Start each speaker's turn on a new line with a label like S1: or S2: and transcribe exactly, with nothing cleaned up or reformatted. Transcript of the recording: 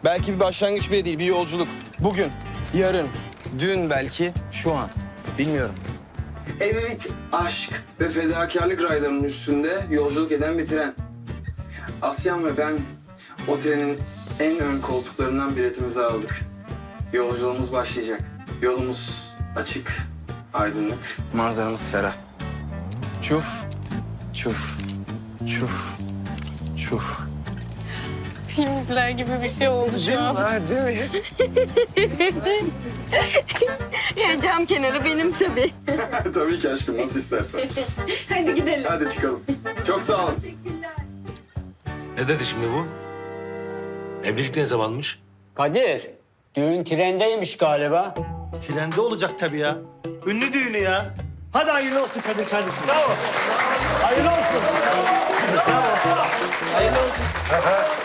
S1: Belki bir başlangıç bile değil, bir yolculuk. Bugün, yarın, dün belki, şu an. Bilmiyorum. Evlilik, aşk ve fedakarlık raylarının üstünde yolculuk eden bir tren. Asyan ve ben o trenin en ön koltuklarından biletimizi aldık. Yolculuğumuz başlayacak. Yolumuz açık, aydınlık, manzaramız ferah. Çuf, çuf, çuf, çuf.
S2: Film izler gibi bir şey oldu şu an.
S1: Var değil mi?
S2: Yani cam kenarı benim tabii.
S1: Tabii ki aşkım, nasıl istersen.
S2: Hadi gidelim.
S1: Hadi çıkalım. Çok sağ olun.
S3: Ne dedi şimdi bu? Evlilik ne zamanmış?
S4: Kadir, düğün trendeymiş galiba.
S5: Trende olacak tabii ya. Ünlü düğünü ya. Hadi hayırlı olsun Kadir kardeşim. Bravo. Hayırlı olsun. Bravo. Hayırlı olsun.